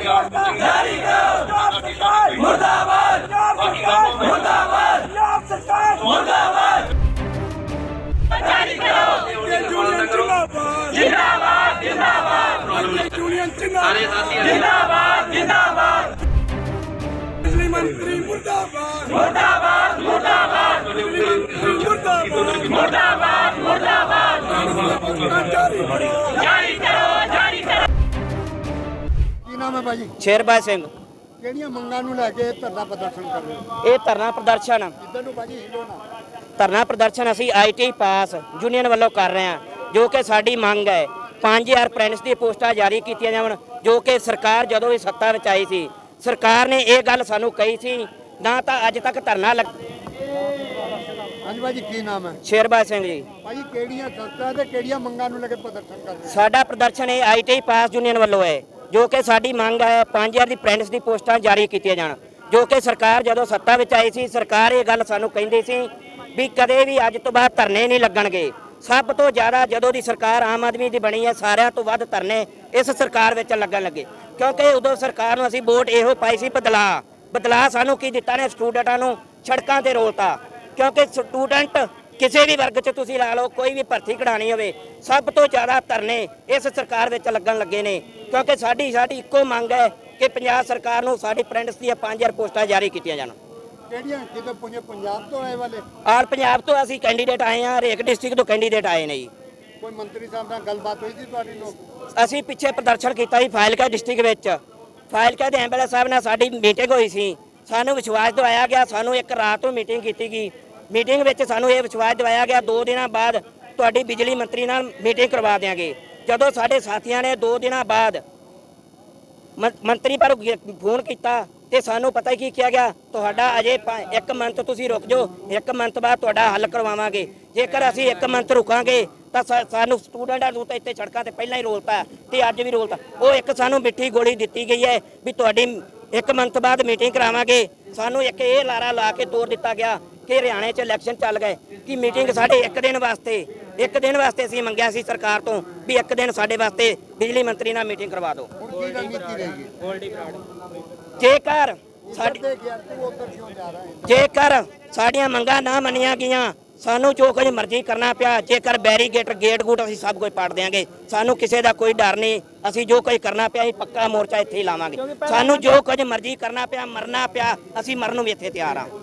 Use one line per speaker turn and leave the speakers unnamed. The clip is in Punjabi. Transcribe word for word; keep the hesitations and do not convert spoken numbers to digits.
जारी करो मुर्दाबाद मुर्दाबाद मुर्दाबाद जारी करो जिंदाबाद जिंदाबाद जिंदाबाद जिंदाबाद बिजली मंत्री मुर्दाबाद मुर्दाबाद मुर्दाबाद मुर्दाबाद मुर्दाबाद जारी करो जारी करो।
ਕੀ ਨਾਮ ਹੈ ਭਾਜੀ?
ਸ਼ੇਰਬਾਜ ਸਿੰਘ।
ਕਿਹੜੀਆਂ ਮੰਗਾਂ ਨੂੰ ਲੈ ਕੇ ਧਰਨਾ ਪ੍ਰਦਰਸ਼ਨ ਕਰ ਰਹੇ ਹੋ?
ਇਹ ਧਰਨਾ ਪ੍ਰਦਰਸ਼ਨ
ਇੱਧਰ ਨੂੰ ਭਾਜੀ ਹਿੱਲੋ ਨਾ।
ਧਰਨਾ ਪ੍ਰਦਰਸ਼ਨ ਅਸੀਂ ਆਈਟੀ ਪਾਸ ਯੂਨੀਅਨ ਵੱਲੋਂ ਕਰ ਰਹੇ ਹਾਂ, ਜੋ ਕਿ ਸਾਡੀ ਮੰਗ ਹੈ ਪੰਜ ਹਜ਼ਾਰ ਅਪ੍ਰੈਂਟਿਸ ਦੀਆਂ ਪੋਸਟਾਂ ਜਾਰੀ ਕੀਤੀਆਂ ਜਾਵਣ, ਜੋ ਕਿ ਸਰਕਾਰ ਜਦੋਂ ਵੀ ਸੱਤਾ ਵਿੱਚ ਆਈ ਸੀ ਸਰਕਾਰ ਨੇ ਇਹ ਗੱਲ ਸਾਨੂੰ ਕਹੀ ਸੀ, ਨਾ ਤਾਂ ਅੱਜ ਤੱਕ ਧਰਨਾ ਲੱਗ।
ਹਾਂਜੀ ਭਾਜੀ ਕੀ ਨਾਮ ਹੈ?
ਸ਼ੇਰਬਾਜ ਸਿੰਘ ਜੀ।
ਭਾਜੀ ਕਿਹੜੀਆਂ ਸੰਸਥਾ ਤੇ ਕਿਹੜੀਆਂ ਮੰਗਾਂ ਨੂੰ ਲੈ ਕੇ ਪ੍ਰਦਰਸ਼ਨ ਕਰ ਰਹੇ ਹੋ?
ਸਾਡਾ ਪ੍ਰਦਰਸ਼ਨ ਇਹ ਆਈਟੀ ਪਾਸ ਯੂਨੀਅਨ ਵੱਲੋਂ ਹੈ, ਜੋ ਕਿ ਸਾਡੀ ਮੰਗ ਹੈ ਪੰਜ ਹਜ਼ਾਰ ਦੀ ਅਪ੍ਰੈਂਟਿਸ ਦੀ ਪੋਸਟਾਂ ਜਾਰੀ ਕੀਤੀਆਂ ਜਾਣ, ਜੋ ਕਿ ਸਰਕਾਰ ਜਦੋਂ ਸੱਤਾ ਵਿੱਚ ਆਈ ਸੀ ਸਰਕਾਰ ਇਹ ਗੱਲ ਸਾਨੂੰ ਕਹਿੰਦੀ ਸੀ ਵੀ ਕਦੇ ਵੀ ਅੱਜ ਤੋਂ ਬਾਅਦ ਧਰਨੇ ਨਹੀਂ ਲੱਗਣਗੇ। ਸਭ ਤੋਂ ਜ਼ਿਆਦਾ ਜਦੋਂ ਦੀ ਸਰਕਾਰ ਆਮ ਆਦਮੀ ਦੀ ਬਣੀ ਹੈ ਸਾਰਿਆਂ ਤੋਂ ਵੱਧ ਧਰਨੇ ਇਸ ਸਰਕਾਰ ਵਿੱਚ ਲੱਗਣ ਲੱਗੇ, ਕਿਉਂਕਿ ਉਦੋਂ ਸਰਕਾਰ ਨੂੰ ਅਸੀਂ ਵੋਟ ਇਹੋ ਪਾਈ ਸੀ ਬਦਲਾਅ। ਬਦਲਾਅ ਸਾਨੂੰ ਕੀ ਦਿੱਤਾ ਨੇ? ਸਟੂਡੈਂਟਾਂ ਨੂੰ ਸੜਕਾਂ ਤੇ ਰੋਲਤਾ, ਕਿਉਂਕਿ ਸਟੂਡੈਂਟ ਕਿਸੇ ਵੀ ਵਰਗ 'ਚ ਤੁਸੀਂ ਲਾ ਲਓ, ਕੋਈ ਵੀ ਭਰਤੀ ਕਢਾਣੀ ਹੋਵੇ ਸਭ ਤੋਂ ਜ਼ਿਆਦਾ ਧਰਨੇ ਇਸ ਸਰਕਾਰ ਵਿੱਚ ਲੱਗਣ ਲੱਗੇ ਨੇ, ਕਿਉਂਕਿ ਸਾਡੀ ਸਾਡੀ ਇੱਕੋ ਮੰਗ ਹੈ ਕਿ ਪੰਜਾਬ ਸਰਕਾਰ ਨੂੰ ਸਾਡੀ ਅਪ੍ਰੈਂਟਿਸ ਦੀਆਂ ਪੰਜ ਹਜ਼ਾਰ ਪੋਸਟਾਂ ਜਾਰੀ ਕੀਤੀਆਂ ਜਾਣ।
ਕਿਹੜੀਆਂ ਕਿਤੇ ਪੁੰਜੇ ਪੰਜਾਬ ਤੋਂ ਆਏ ਵਾਲੇ?
ਆਲ ਪੰਜਾਬ ਤੋਂ ਅਸੀਂ ਕੈਂਡੀਡੇਟ ਆਏ ਹਾਂ, ਹਰੇਕ ਡਿਸਟ੍ਰਿਕਟ ਤੋਂ ਕੈਂਡੀਡੇਟ ਆਏ ਨੇ ਜੀ।
ਕੋਈ ਮੰਤਰੀ ਸਾਹਿਬ ਨਾਲ ਗੱਲਬਾਤ ਹੋਈ ਸੀ ਤੁਹਾਡੀ? ਲੋਕ
ਅਸੀਂ ਪਿੱਛੇ ਪ੍ਰਦਰਸ਼ਨ ਕੀਤਾ ਸੀ ਫਾਜ਼ਿਲਕਾ ਡਿਸਟ੍ਰਿਕਟ ਵਿੱਚ, ਫਾਜ਼ਿਲਕਾ ਦੇ ਐਮਐਲਏ ਸਾਹਿਬ ਨਾਲ ਸਾਡੀ ਮੀਟਿੰਗ ਹੋਈ ਸੀ, ਸਾਨੂੰ ਵਿਸ਼ਵਾਸ ਦਿਵਾਇਆ ਗਿਆ, ਸਾਨੂੰ ਇੱਕ ਰਾਤ ਨੂੰ ਮੀਟਿੰਗ ਕੀਤੀ ਗਈ। ਮੀਟਿੰਗ ਵਿੱਚ ਸਾਨੂੰ ਇਹ ਵਿਸ਼ਵਾਸ ਦਿਵਾਇਆ ਗਿਆ ਦੋ ਦਿਨਾਂ ਬਾਅਦ ਤੁਹਾਡੀ ਬਿਜਲੀ ਮੰਤਰੀ ਨਾਲ ਮੀਟਿੰਗ ਕਰਵਾ ਦਿਆਂਗੇ। ਜਦੋਂ ਸਾਡੇ ਸਾਥੀਆਂ ਨੇ ਦੋ ਦਿਨਾਂ ਬਾਅਦ ਮੰਤਰੀ ਪਰ ਫੋਨ ਕੀਤਾ ਤੇ ਸਾਨੂੰ ਪਤਾ ਹੀ ਕੀ ਕਿਹਾ ਗਿਆ, ਤੁਹਾਡਾ ਅਜੇ ਇੱਕ ਮੰਥ ਤੁਸੀਂ ਰੁਕ ਜਾਓ, ਇੱਕ ਮੰਥ ਬਾਅਦ ਤੁਹਾਡਾ ਹੱਲ ਕਰਵਾਵਾਂਗੇ। ਜੇਕਰ ਅਸੀਂ ਇੱਕ ਮੰਥ ਰੁਕਾਂਗੇ ਤਾਂ ਸਾਨੂੰ ਸਟੂਡੈਂਟਾਂ ਨੂੰ ਤਾਂ ਇੱਥੇ ਸੜਕਾਂ ਤੇ ਪਹਿਲਾਂ ਹੀ ਰੋਲਤਾ ਤੇ ਅੱਜ ਵੀ ਰੋਲਤਾ। ਉਹ ਇੱਕ ਸਾਨੂੰ ਮਿੱਠੀ ਗੋਲੀ ਦਿੱਤੀ ਗਈ ਹੈ ਵੀ ਤੁਹਾਡੀ ਇੱਕ ਮੰਥ ਬਾਅਦ ਮੀਟਿੰਗ ਕਰਾਵਾਂਗੇ। ਸਾਨੂੰ ਇੱਕ ਇਹ ਲਾਰਾ ਲਾ ਕੇ ਤੋੜ ਦਿੱਤਾ ਗਿਆ ਕਿ ਹਰਿਆਣੇ 'ਚ ਇਲੈਕਸ਼ਨ ਚੱਲ ਗਏ ਕਿ ਮੀਟਿੰਗ ਸਾਡੇ ਇੱਕ ਦਿਨ ਵਾਸਤੇ ਇੱਕ ਦਿਨ ਵਾਸਤੇ ਅਸੀਂ ਮੰਗਿਆ ਸੀ ਸਰਕਾਰ ਤੋਂ ਵੀ ਇੱਕ ਦਿਨ ਸਾਡੇ ਵਾਸਤੇ ਬਿਜਲੀ ਮੰਤਰੀ ਨਾਲ ਮੀਟਿੰਗ ਕਰਵਾ ਦਿਓ।
ਹੁਣ ਕੀ ਰਣਨੀਤੀ ਰਹੇਗੀ?
ਜੇਕਰ ਸਾਡੀ
ਤੇ ਗਿਆ ਤੂੰ ਉੱਧਰ ਕਿਉਂ ਜਾ ਰਹਾ ਹੈ?
ਜੇਕਰ ਸਾਡੀਆਂ ਮੰਗਾਂ ਨਾ ਮੰਨੀਆਂ ਗਈਆਂ ਸਾਨੂੰ ਜੋ ਕੁਝ ਮਰਜ਼ੀ ਕਰਨਾ ਪਿਆ, ਜੇਕਰ ਬੈਰੀਗੇਟ ਗੇਟ ਗੂਟ ਅਸੀਂ ਸਭ ਕੁਝ ਪਾੜ ਦਿਆਂਗੇ, ਸਾਨੂੰ ਕਿਸੇ ਦਾ ਕੋਈ ਡਰ ਨਹੀਂ। ਅਸੀਂ ਜੋ ਕੁਝ ਕਰਨਾ ਪਿਆ ਅਸੀਂ ਪੱਕਾ ਮੋਰਚਾ ਇੱਥੇ ਹੀ ਲਾਵਾਂਗੇ। ਸਾਨੂੰ ਜੋ ਕੁਝ ਮਰਜ਼ੀ ਕਰਨਾ ਪਿਆ, ਮਰਨਾ ਪਿਆ, ਅਸੀਂ ਮਰਨ ਨੂੰ ਵੀ ਇੱਥੇ ਤਿਆਰ ਹਾਂ।